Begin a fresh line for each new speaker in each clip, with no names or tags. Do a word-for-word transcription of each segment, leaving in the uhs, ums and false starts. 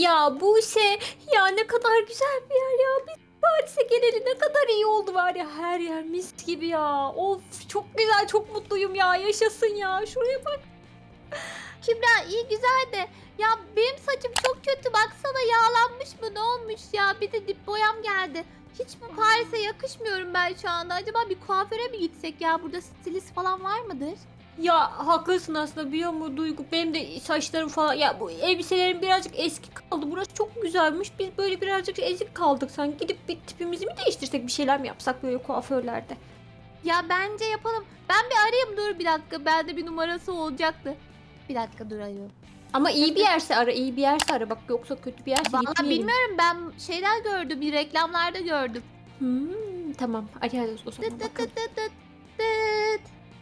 Ya bu şey ya ne kadar güzel bir yer ya. Biz Paris'e geleli ne kadar iyi oldu var ya. Her yer mis gibi ya. Of çok güzel çok mutluyum ya. Yaşasın ya. Şuraya bak.
Kübra iyi güzel de ya benim saçım çok kötü baksana yağlanmış mı ne olmuş ya bir de dip boyam geldi. Hiç bu Paris'e yakışmıyorum ben şu anda. Acaba bir kuaföre mi gitsek ya? Burada stilist falan var mıdır?
Ya haklısın aslında biliyor musun Duygu? Benim de saçlarım falan ya bu elbiselerim birazcık eski kaldı. Burası çok güzelmiş. Biz böyle birazcık ezik kaldık sanki. Gidip bir tipimizi mi değiştirsek bir şeyler mi yapsak böyle kuaförlerde?
Ya bence yapalım. Ben bir arayayım dur bir dakika. Bende bir numarası olacaktı. Bir dakika dur arıyorum.
Ama iyi bir yerse ara, iyi bir yerse ara. Bak yoksa kötü bir yerse
Vallahi
gitmeyelim.
bilmiyorum ben şeyler gördüm. Bir reklamlarda gördüm.
Hmm, tamam. Hadi hadi o zaman
Dıt dıt
bakalım.
dıt dıt dıt. Dıt.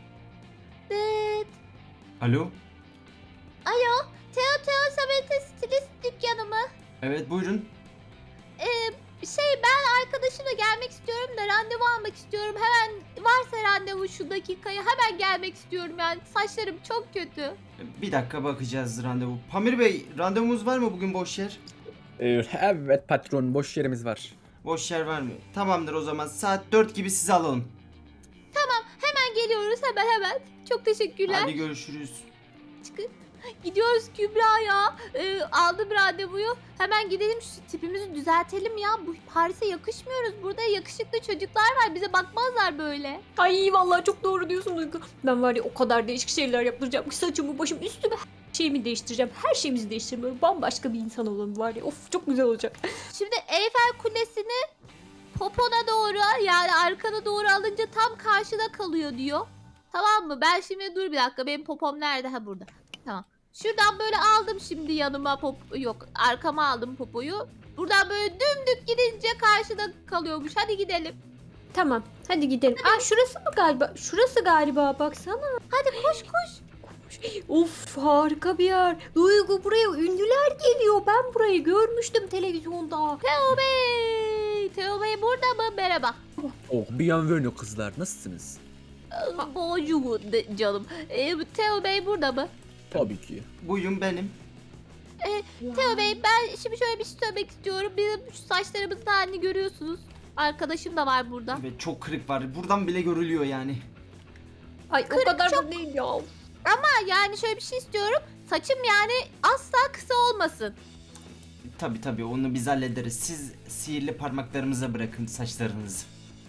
Dıt.
Alo?
Alo. Teo Teo Sabete stilist dükkanı mı?
Evet buyurun.
Ee, şey ben arkadaşımla gelmek istiyorum da randevu almak istiyorum. Hemen varsa randevu şu dakikaya hemen gelmek istiyorum yani. Saçlarım çok kötü.
Bir dakika bakacağız randevu. Pamir Bey randevumuz var mı bugün boş yer?
Ee, Evet patron, boş yerimiz var.
Boş yer var mı? Tamamdır o zaman saat dört gibi sizi alalım.
Hemen geliyoruz hemen hemen. Çok teşekkürler.
Hadi görüşürüz.
Çıkın. Gidiyoruz Kübra ya. Ee, aldım randevuyu. Hemen gidelim şu tipimizi düzeltelim ya. Bu Paris'e yakışmıyoruz. Burada yakışıklı çocuklar var. Bize bakmazlar böyle.
Ay vallahi çok doğru diyorsun Duygu. Ben var ya o kadar değişik şeyler yaptıracağım ki saçımı başımı üstümü her şeyimi değiştireceğim. Her şeyimizi değiştireceğim. Böyle bambaşka bir insan olalım var ya. Of çok güzel olacak.
Şimdi Eyfel Kulesi'ni popona doğru yani arkana doğru alınca tam karşıda kalıyor diyor. Tamam mı? Ben şimdi dur bir dakika. Benim popom nerede? Ha burada. Tamam. Şuradan böyle aldım şimdi yanıma pop yok arkama aldım popoyu. Buradan böyle dümdük gidince karşıda kalıyormuş. Hadi gidelim.
Tamam hadi gidelim. Aa şurası mı galiba? Şurası galiba baksana.
Hadi koş koş.
Of harika bir yer. Duygu buraya ünlüler geliyor. Ben burayı görmüştüm televizyonda.
Teo Bey. Teo Bey burada mı? Merhaba.
Oh, bienvenue kızlar, nasılsınız?
Ee, Bonjour de- canım. Ee, Teo Bey burada mı?
Tabii ki.
Buyurun benim.
Teo Bey ben şimdi şöyle bir şey söylemek istiyorum. Bizim şu saçlarımızın halini görüyorsunuz. Arkadaşım da var burada.
Evet çok kırık var. Buradan bile görülüyor yani.
Ay o kadar da değil ya.
Ha, yani şöyle bir şey istiyorum. Saçım yani asla kısa olmasın.
Tabi tabi onu biz hallederiz. Siz sihirli parmaklarımıza bırakın saçlarınızı.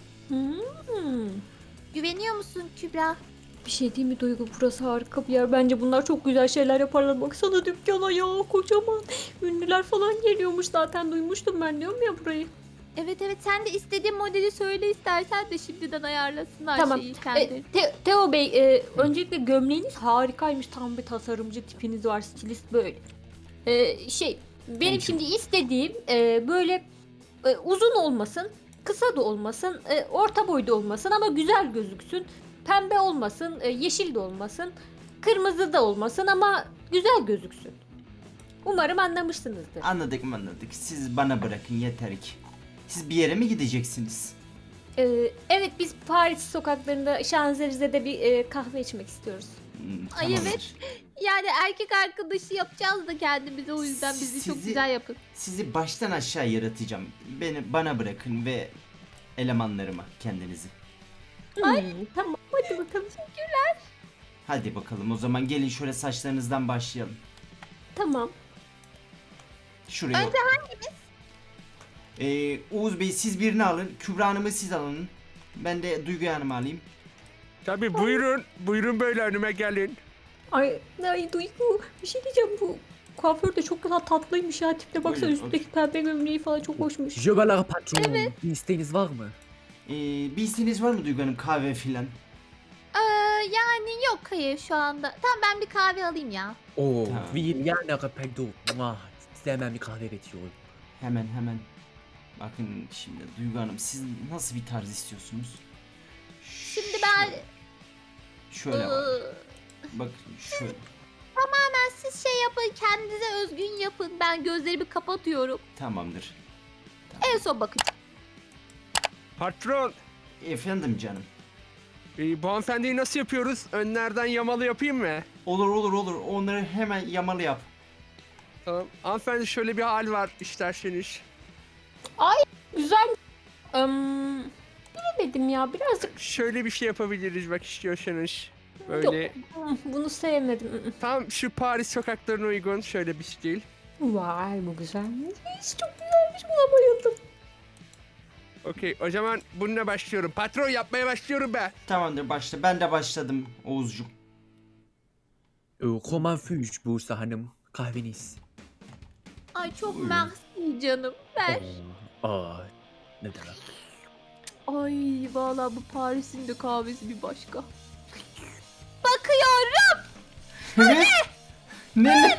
Hmm.
Güveniyor musun Kübra?
Bir şey değil mi Duygu? Burası harika bir yer. Bence bunlar çok güzel şeyler yaparlar. Baksana dükkana ya kocaman. Ünlüler falan geliyormuş zaten duymuştum ben diyorum ya burayı.
Evet evet sen de istediğin modeli söyle istersen de şimdiden ayarlasınlar
Tamam.
şeyi
E,
kendileri.
Te- Teo Bey e, öncelikle gömleğiniz harikaymış. Tam bir tasarımcı tipiniz var. Stilist böyle. E, şey benim
Thank you.
şimdi istediğim e, böyle e, uzun olmasın. Kısa da olmasın. e, orta boyda olmasın ama güzel gözüksün. Pembe olmasın. e, yeşil de olmasın. Kırmızı da olmasın ama güzel gözüksün. Umarım anlamışsınızdır.
Anladık mı anladık. Siz bana bırakın yeter ki. Siz bir yere mi gideceksiniz?
E, evet biz Paris sokaklarında Şanzelize'de bir e, kahve içmek istiyoruz.
Hmm,
Ay,
tamamdır.
evet. Yani erkek arkadaşı yapacağız da kendimize o yüzden bizi çok
Sizi-
güzel yapın.
Sizi baştan aşağı yaratacağım. Beni bana bırakın ve elemanlarıma kendinizi.
Ay. Tamam hadi bakalım.
Hadi bakalım o zaman gelin şöyle saçlarınızdan başlayalım.
Tamam.
Şuraya.
Önce
hanginiz? Ee, Oğuz Bey siz birini alın. Kübra Hanım'ı siz alın. Ben de Duygu Hanım'ı alayım.
Tabii buyurun. Buyurun böyle önüme gelin.
Ay, ay Duygu bir şey diyeceğim bu kuaför de çok güzel tatlıymış ya tipte baksana
Buyurun,
üstteki pembe gömleği falan çok hoşmuş.
Jöbeler patron, bir isteğiniz var mı?
Ee, bir isteğiniz var mı Duygu Hanım? Kahve filan.
Ee, yani yok hayır şu anda. Tamam ben bir kahve alayım ya.
Oh,
Tamam.
wie gerne pardon. Muah, size hemen bir kahve üretiyorum.
Hemen hemen. Bakın şimdi Duygu Hanım siz nasıl bir tarz istiyorsunuz?
Şimdi ben
Şöyle bak.
Iı,
Bak şöyle.
tamamen siz şey yapın kendinize özgün yapın. Ben gözlerimi kapatıyorum.
Tamamdır.
En son bakacağım.
Patron,
Efendim canım.
e, bu hanımefendiyi nasıl yapıyoruz? Önlerden yamalı yapayım mı?
Olur olur olur. Onları hemen yamalı yap.
Tamam. Hanımefendi şöyle bir hal var isterseniz.
Güzel. Im, bilemedim ya birazcık.
Şöyle bir şey yapabiliriz bak istiyorsanız. Böyle.
Yok. Hmm, Bunu sevmedim. Mm, mm.
Tam şu Paris sokaklarına uygun şöyle bir stil.
Vay bu güzelmiş. Çok güzelmiş buna bayıldım.
Okey o zaman bununla başlıyorum. Patron yapmaya başlıyorum be.
Tamamdır başla. Ben de başladım Oğuzcuğum.
Ee, Comment puis Buse Hanım? Kahveniz.
Ay çok
Buyurun.
mersi canım. Ver.
Oo, Aa, ne demek?
Ay valla bu Paris'in de kahvesi bir başka. Bakıyorum.
Ne? Ne?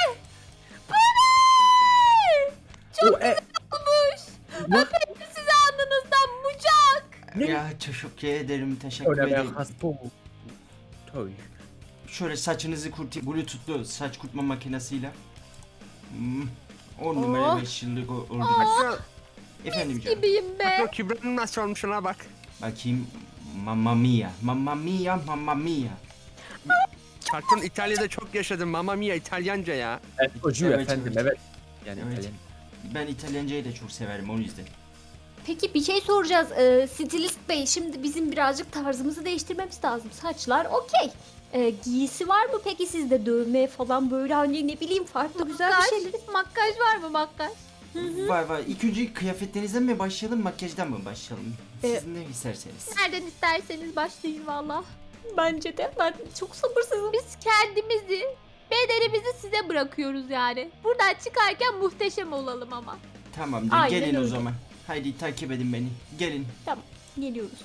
Çok
O, e,
olmuş.
Ne?
Öperim sizi alnınızdan bucak.
Ne?
Ya teşekkür ederim. Teşekkür
Öyle
ederim.
ben haspo. Toy.
Şöyle saçınızı kurtayım. Bluetooth'lu saç kurutma makinesiyle. Hmm. on numara
Oh.
beş yıllık o- oldu.
Patron,
Efendim canım.
Gibiyim
patron
be.
Kübra'nın nasıl olmuş ona bak.
Bakayım. Mamma mia. Mamma mia. Mamma mia.
Patron İtalya'da çok yaşadım. Mamma mia İtalyanca ya.
Evet, çocuğu
Evet,
efendim,
evet.
evet. Yani
Evet.
İtalyan.
Ben İtalyancayı da çok severim o yüzden.
Peki bir şey soracağız. Ee, Stilist Bey şimdi bizim birazcık tarzımızı değiştirmemiz lazım. Saçlar okey. Ee, giysi var mı peki sizde dövme falan böyle hani ne bileyim farklı güzel bir
Makyaj,
şeyler.
makyaj var mı makyaj?
Var var. İlk önce kıyafetlerinizden mi başlayalım, makyajdan mı başlayalım? Siz
Ee,
ne isterseniz.
Nereden isterseniz başlayın valla.
Bence de ben çok sabırsızım.
Biz kendimizi, bedenimizi size bırakıyoruz yani. Buradan çıkarken muhteşem olalım ama.
Tamamdır.
Aynen
Gelin o
öyle.
zaman. Haydi takip edin beni. Gelin.
Geliyoruz.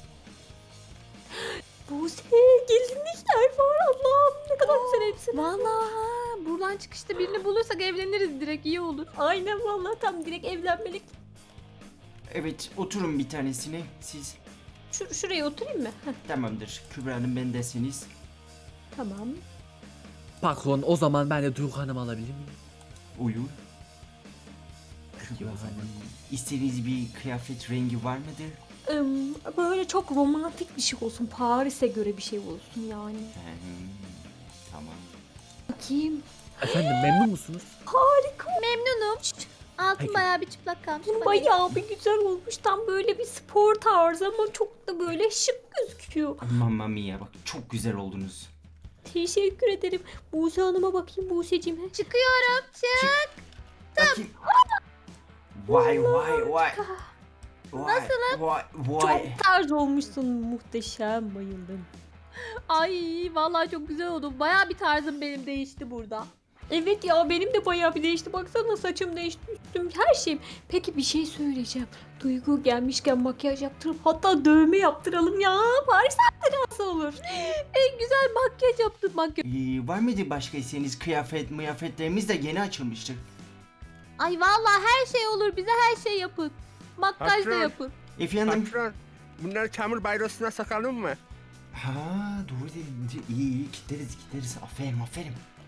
Buse gelinlikler var Allah'ım ne kadar güzel elbise.
Valla buradan çıkışta birini bulursak evleniriz direkt iyi olur.
Aynen vallahi tam direkt evlenmelik.
Evet oturun bir tanesine. Siz
Şur şuraya oturayım mı? Heh,
tamamdır. Kübra Hanım bendesiniz.
tamam.
Patron, o zaman ben de Duygu Hanım alabilir miyim?
Uyur.
Peki
Kübra
o zaman.
Hanım. İstediğiniz bir kıyafet rengi var mıdır?
Im, böyle çok romantik bir şey olsun. Paris'e göre bir şey olsun yani.
Hmm, tamam.
Bakayım.
Efendim memnun musunuz?
Harika.
Memnunum. Altın
Peki.
bayağı bir çıplak kalmış. bana.
Bayağı bir güzel olmuş. Tam böyle bir spor tarzı ama çok da böyle şık gözüküyor.
Mamma mia bak çok güzel oldunuz.
Teşekkür ederim. Buse Hanım'a bakayım Buse'cim. Heh.
Çıkıyorum. Çık.
Bakayım. Vay vay vay. Nasıl? Vay vay.
Çok tarz olmuşsun. Muhteşem. Bayıldım.
Ay vallahi çok güzel oldu. Bayağı bir tarzım benim değişti burada.
Evet ya benim de bayağı bir değişti. Baksana saçım değişti. Üstüm her şeyim. Peki bir şey söyleyeceğim. Duygu gelmişken makyaj yaptırıp hatta dövme yaptıralım ya. Paris nasıl olur?
En güzel makyaj yaptım makyaj.
Ee, var mıydı başka isteğiniz? Kıyafet, mıyafetlerimiz de yeni açılmıştır.
Ay vallahi her şey olur. Bize her şey yapın. Makyaj da
Patron.
yapın.
Efendim?
Patron bunları çamur bayrosuna sakalım mı?
Ha doğru dedin. İyi iyi kitleriz kitleriz. Aferin aferin.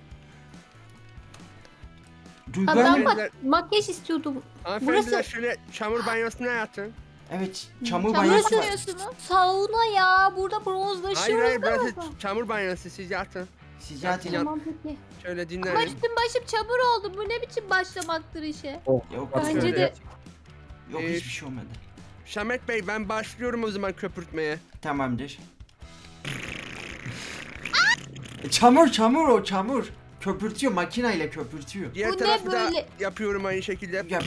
Duygu
Ha, ben
Hanım-
bak makyaj istiyordum.
Hanımefendiler
Burası-
şöyle çamur banyosuna yatın.
Evet çamur
Çamur
banyosu var.
banyosu mu?
Sauna ya. Burada bronzlaşıyoruz.
Hayır hayır
da.
burası çamur banyosu siz yatın.
Siz zaten
Yat-
Tamam peki.
Şöyle
Ama
dinlenin.
üstüm başım çamur oldu. Bu ne biçim başlamaktır işe?
Oh,
Yok,
Bence
şöyle.
de
yok
Ee,
hiçbir şey olmadı.
Samet Bey ben başlıyorum o zaman köpürtmeye.
Tamamdır. çamur çamur o çamur. Köpürtüyor makineyle köpürtüyor.
Diğer
Bu ne
tarafı da
böyle?
yapıyorum aynı şekilde.
Yap yap.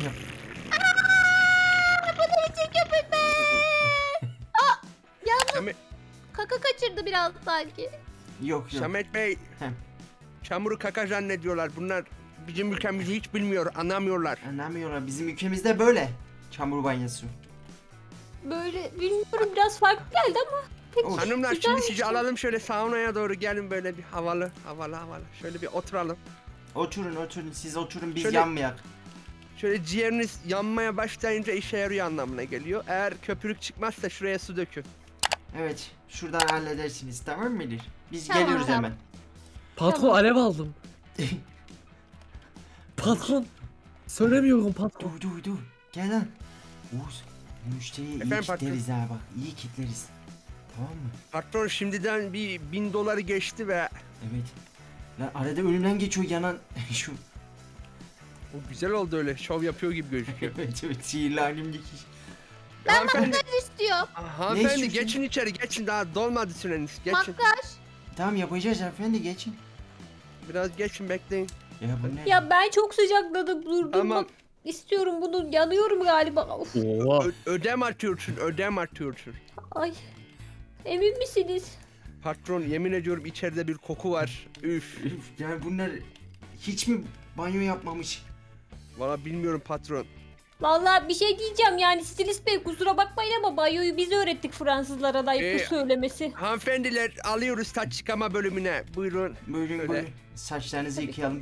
Samet,
Kaka kaçırdı biraz sanki.
Yok yok.
Samet Bey
Hem.
çamuru kaka zannediyorlar. Bunlar bizim ülkemizi hiç bilmiyor, anlamıyorlar.
Anlamıyorlar bizim ülkemizde böyle. Çamur banyosu.
böyle bilmiyorum biraz farklı geldi ama. Peki.
Olur.
Hanımlar
güzel
şimdi
bir
sizi
şey.
alalım şöyle saunaya doğru gelin böyle bir havalı havalı havalı. Şöyle bir oturalım.
Oturun oturun siz oturun biz
Şöyle-
yanmayak.
Şöyle ciğeriniz yanmaya başlayınca işe yarıyor anlamına geliyor. Eğer köpürük çıkmazsa şuraya su dökün.
Evet şuradan halledersiniz tamam mıdır? Biz
Tamam,
geliyoruz
tamam.
hemen.
Patron
Tamam.
alev aldım. Patron. Söylemiyorum patron.
Dur dur dur. Gel lan. Oğuz müşteriye iyi
Efendim,
kitleriz ha bak iyi kitleriz. Tamam mı?
Patron şimdiden bir bin doları geçti ve
Evet. Lan arada önümden geçiyor yanan şu.
O güzel oldu öyle. Şov yapıyor gibi gözüküyor.
Evet evet sihirli halim dikiş.
Hanımefendi,
İstiyor.
hanımefendi
istiyorsun?
geçin içeri geçin daha dolmadı süreniz. Geçin.
Makyaj.
Tamam yapacağız efendi geçin.
Biraz geçin bekleyin.
Ya bu ne?
Ya ben çok sıcakladım durdum.
Tamam.
İstiyorum bunu. Yanıyorum galiba. Of.
Oha.
Ö- ödem atıyorsun ödem atıyorsun.
Ay. Emin misiniz?
Patron yemin ediyorum içeride bir koku var. Üf.
Üf, yani bunlar hiç mi banyo yapmamış?
Valla bilmiyorum patron.
Vallahi bir şey diyeceğim yani stilist bey kusura bakmayın ama banyoyu biz öğrettik Fransızlara da ayıptır
Ee,
söylemesi.
Hanımefendiler alıyoruz saç çıkama bölümüne. Buyurun.
Buyurun
Öyle.
buyurun. Saçlarınızı yıkayalım.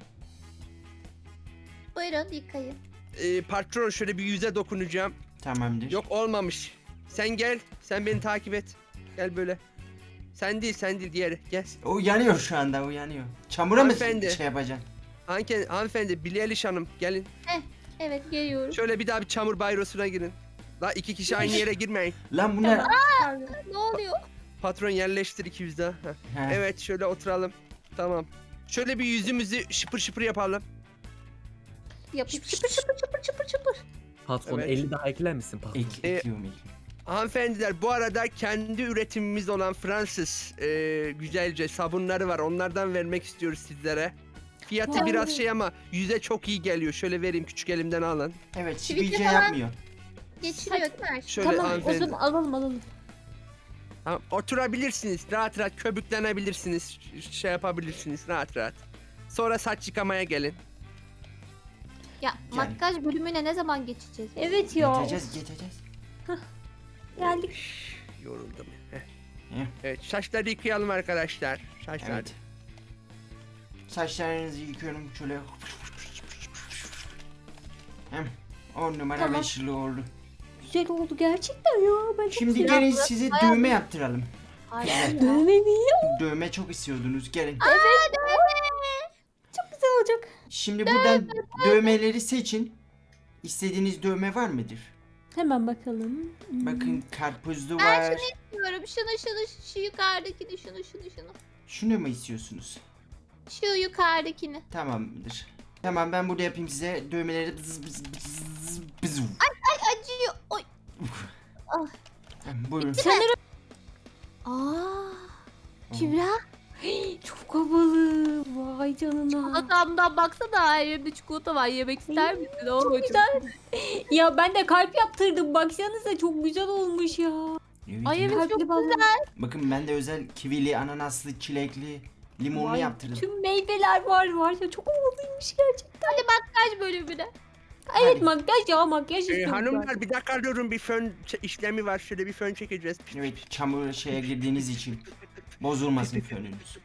Buyurun yıkayın.
Ee, patron şöyle bir yüze dokunacağım.
Tamamdır.
Yok olmamış. Sen gel. Sen beni takip et. Gel böyle. Sen değil sen değil diğeri. Gel.
O yanıyor şu anda o yanıyor. Çamura mı
Hanımefendi.
şey yapacaksın?
Hanke, hanımefendi Billie Eilish Hanım gelin.
Evet geliyorum.
Şöyle bir daha bir çamur bayrosuna girin. Daha iki kişi aynı yere girmeyin.
Lan bunlar...
Ne oluyor?
Patron yerleştir iki yüz daha. Heh.
He.
Evet şöyle oturalım. Tamam. Şöyle bir yüzümüzü şıpır şıpır yapalım.
Yapıp çıpır çıpır çıpır çıpır çıpır.
Patron
Evet.
elli daha ekler misin patron?
Ek,
Ee,
ekliyorum ekliyorum.
Hanımefendiler bu arada kendi üretimimiz olan Fransız e, güzelce sabunları var. Onlardan vermek istiyoruz sizlere. Fiyatı
Vay.
biraz şey ama yüze çok iyi geliyor. Şöyle vereyim küçük elimden alın.
Evet
Sivilce
sivilce
falan-
yapmıyor.
Geçiriyor değil mi?
Şöyle
Tamam o
hanımefendi.
zaman alalım alalım.
Tamam, oturabilirsiniz. Rahat rahat köbüklenebilirsiniz. ş- Şey yapabilirsiniz rahat rahat. Sonra saç yıkamaya gelin.
Ya makyaj bölümüne ne zaman geçeceğiz?
Evet ya.
Geçeceğiz geçeceğiz.
Geldik.
Üf, yoruldum. Heh.
Heh.
Evet saçları yıkayalım arkadaşlar. Saçlar.
Evet. Saçlarınızı yıkıyorum şöyle. Hem on numara
Tamam.
beş yılı oldu.
Güzel oldu gerçekten ya. Ben çok
Şimdi
seviyorum.
gelin size dövme yaptıralım.
Hayır.
Dövme mi?
Dövme çok istiyordunuz gelin.
Çok güzel olacak.
Şimdi buradan dövmeleri seçin. İstediğiniz dövme var mıdır?
Hemen bakalım. Hmm.
Bakın karpuzlu
Ben
var.
Diyorum şunu şunu şu yukarıdakini şunu şunu şunu.
Şunu mu istiyorsunuz?
Şu yukarıdakini.
Tamamdır. Tamam ben burada yapayım size dövmeleri. Bız bız bız bız.
Ay acıyor. Oy.
Buyurun.
Sanırım.
Aa. Kübra.
Çok havalı. Vay canına.
Çikolatamdan baksana her yerinde çikolata var. Yemek ister misin? Oo, çok
güzel. Ya ben de kalp yaptırdım. Baksanıza çok güzel olmuş ya.
Evet,
Ay
evet.
evet çok
Kalpli balon.
güzel.
Bakın ben de özel kivili, ananaslı, çilekli, limonlu
Vay,
yaptırdım.
Tüm meyveler var var ya çok havalıymış gerçekten.
Makyaj bölümüne.
Evet
Hadi.
makyaj ya makyaj
Ee,
istiyorum.
hanımlar bir dakika alıyorum bir fön ç- işlemi var. Şöyle bir fön çekeceğiz.
Evet çamur şeye girdiğiniz için bozulmasın fönünüz.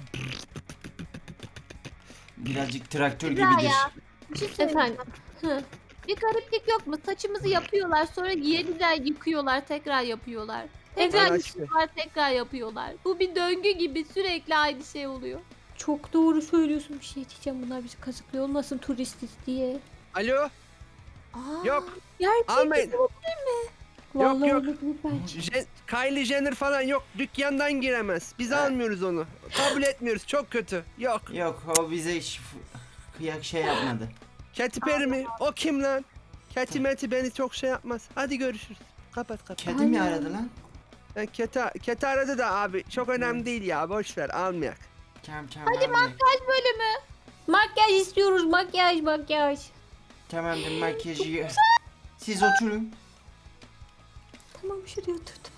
Birazcık traktör
Güzel
gibidir.
ya. Bir şey söyleyeyim.
Efendim. Hı.
Bir gariplik yok mu? Saçımızı yapıyorlar sonra yeniden yıkıyorlar tekrar yapıyorlar. Tekrar
Evet.
yıkıyorlar tekrar yapıyorlar. Bu bir döngü gibi sürekli aynı şey oluyor.
Çok doğru söylüyorsun bir şey diyeceğim. Bunlar bizi kazıklıyor olmasın turistiz diye.
Alo?
Aa,
Yok.
Gerçekten
Almayın.
Vallahi
yok.
olabilir bence.
Je- Kylie Jenner falan yok. Dükkandan giremez. Biz
Ha.
almıyoruz onu. Kabul etmiyoruz. Çok kötü. Yok.
Yok o bize hiç kıyak şey yapmadı.
Katy Perry mi? O kim lan? Katy Meti beni çok şey yapmaz. Hadi görüşürüz. Kapat kapat.
Kedi mi aradı lan?
Ben Keti, Keti aradı da abi. Çok önemli değil ya. Boş ver. Almayak.
Tamam tamam. Hadi
makyaj bölümü.
Makyaj istiyoruz makyaj makyaj.
Tamamdır makyajı. Siz oturun.
Tamam şuraya oturdum.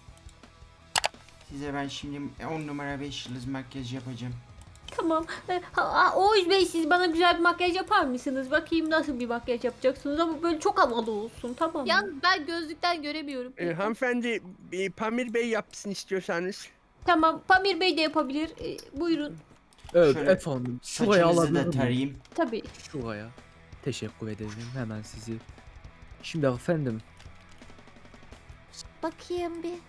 Size ben şimdi on numara beş yıldız makyaj yapacağım.
Tamam. Ee, ha- ha, Oğuz Bey siz bana güzel bir makyaj yapar mısınız? Bakayım nasıl bir makyaj yapacaksınız ama böyle çok havalı olsun tamam mı?
Yalnız ben gözlükten göremiyorum.
Ee, hanımefendi e, Pamir Bey yapsın istiyorsanız.
Tamam Pamir Bey de yapabilir. Ee, buyurun.
Evet
Şöyle
efendim. Şuraya
Saçınızı
alabilir
da
miyim?
tarayayım.
Tabii.
Şuraya. Teşekkür ederim hemen sizi. Şimdi efendim.
Bakayım bir.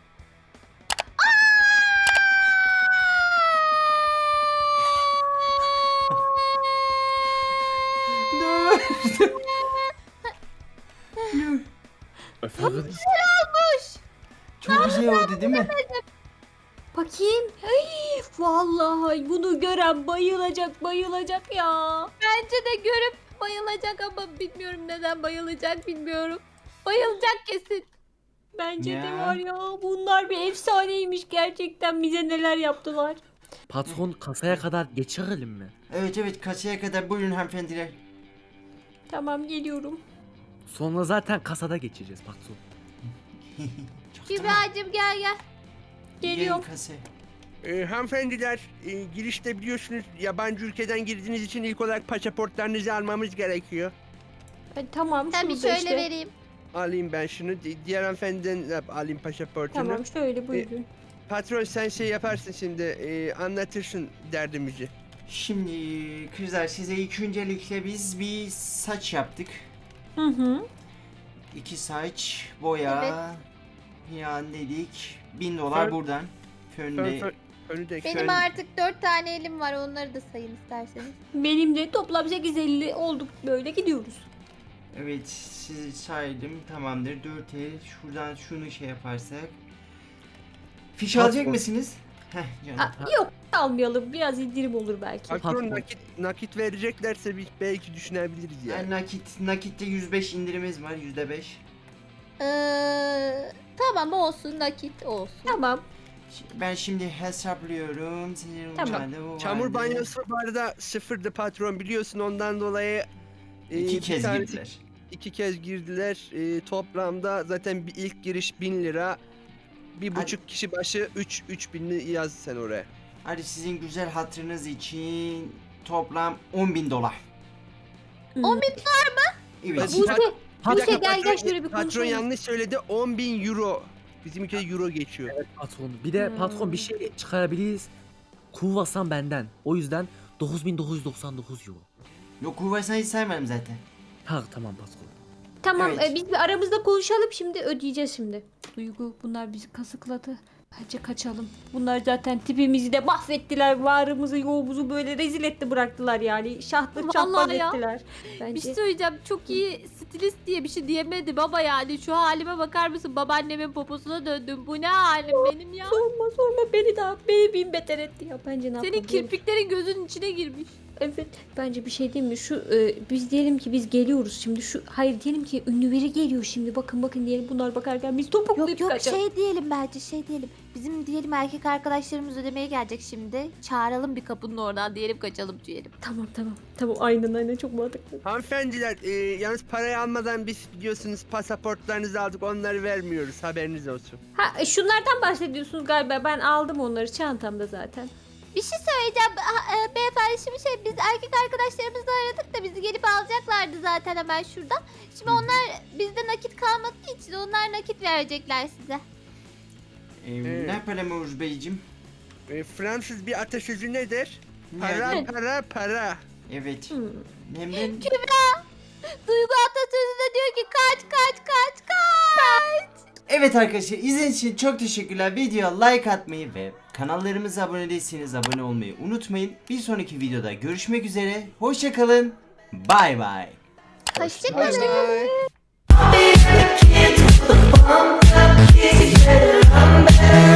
Efendim.
Çok güzel oldu değil mi?
Bakayım. Ay, vallahi bunu gören bayılacak bayılacak ya.
Bence de görüp bayılacak ama bilmiyorum neden bayılacak bilmiyorum. Bayılacak kesin.
Bence de
Ya.
var ya bunlar bir efsaneymiş gerçekten bize neler yaptılar.
Patron kasaya kadar geçirelim mi?
Evet evet kasaya kadar buyurun hanımefendiler.
Tamam geliyorum.
Sonra zaten kasada geçeceğiz patron.
Kübra'cığım gel gel.
Geliyorum.
Gelin kasaya.
Ee, hanımefendiler e, girişte biliyorsunuz yabancı ülkeden girdiğiniz için ilk olarak pasaportlarınızı almamız gerekiyor.
E, tamam
Tabii
şurada
şöyle
işte.
vereyim.
Alayım ben şunu. Di- Diğer hanımefendiden de alayım pasaportunu.
Tamam şöyle buyurun.
Patron sen şey yaparsın şimdi e, anlatırsın derdimizi.
Şimdi kızlar size ilk öncelikle biz bir saç yaptık.
Hı hı.
İki saç, boya, yan dedik. Bin dolar
Fön-
buradan.
Fön,
Fönde.
fön, önü de
Benim
Şöyle-
artık dört tane elim var onları da sayın isterseniz.
Benim de toplam sekiz elli olduk böyle gidiyoruz.
Evet sizi saydım tamamdır. Dört el. Şuradan şunu şey yaparsak. Fiş
Patron.
alacak mısınız? Heh canım.
Aa, yok almayalım biraz indirim olur belki.
Patron
Patron.
nakit, nakit vereceklerse biz belki düşünebiliriz yani.
Yani nakit, nakitte yüz beş indirimimiz var. yüzde beş.
Ee, tamam olsun nakit olsun.
Tamam.
Ben şimdi hesaplıyorum. Sizin
Tamam.
uçağında bu
Çamur
vardı.
banyosu bu arada sıfırdı patron biliyorsun ondan dolayı e,
İki
bir
kez
tanesi-
girdiler.
iki kez girdiler. E, toplamda zaten bir ilk giriş bin lira. Bir
Hadi.
buçuk kişi başı üç üç binli yaz sen oraya.
Hadi sizin güzel hatırınız için toplam on bin dolar.
on bin
Evet.
Bu
Pat-
ne?
Bir
Buse
dakika,
gel gel
patron-
şöyle bir
Patron
konuşalım.
yanlış söyledi on bin euro. Bizim ülkede euro geçiyor.
Patron. Bir de
Hmm.
patron bir şey çıkarabiliriz. Kuvasan benden. O yüzden dokuz bin dokuz yüz doksan dokuz euro.
Yok kuvvetsen hiç saymadım zaten.
Ha tamam patron.
Tamam
Evet.
e, biz bir aramızda konuşalım şimdi ödeyeceğiz şimdi. Duygu bunlar bizi kasıkladı. Bence kaçalım. Bunlar zaten tipimizi de mahvettiler. Varımızı yoğumuzu böyle rezil etti bıraktılar yani. Şahtır
Vallahi
çapraz
ya.
ettiler.
Bir
Bence.
şey söyleyeceğim çok iyi stilist diye bir şey diyemedim baba yani şu halime bakar mısın babaannemin poposuna döndüm bu ne halim benim ya.
Sorma sorma beni daha beni bin beter etti ya. Bence ne
Senin
yapalım?
kirpiklerin gözünün içine girmiş.
Evet bence bir şey değil mi? Şu e, biz diyelim ki biz geliyoruz şimdi şu hayır diyelim ki ünlü biri geliyor şimdi bakın bakın diyelim bunlar bakarken biz topuklayıp
Yok yok
kaçalım.
şey diyelim bence şey diyelim. Bizim diyelim erkek arkadaşlarımız ödemeye gelecek şimdi. Çağıralım bir kapının oradan diyelim kaçalım diyelim.
Tamam tamam tamam aynen aynen çok mantıklı.
Hanımefendiler e, yalnız parayı almadan biz biliyorsunuz pasaportlarınızı aldık onları vermiyoruz haberiniz olsun.
Ha e, şunlardan bahsediyorsunuz galiba ben aldım onları çantamda zaten.
Bir şey söyleyeceğim ha, e, beyefendi şimdi şey biz erkek arkadaşlarımızla aradık da bizi gelip alacaklardı zaten hemen şuradan. Şimdi onlar bizde nakit kalmadığı için onlar nakit verecekler size.
Ee,
Evet.
Ne yapalım Uğur Beyciğim?
E, Fransız bir atasözü nedir? Para
Yani-
para para.
Evet.
Hmm.
Hem de
Duygu atasözü de diyor ki kaç kaç kaç kaç.
evet arkadaşlar izlediğiniz için çok teşekkürler. Videoya like atmayı ve kanallarımıza abone değilseniz abone olmayı unutmayın. Bir sonraki videoda görüşmek üzere. Hoşça kalın. Bay bay.
Hoşçakalın.
Bye bye.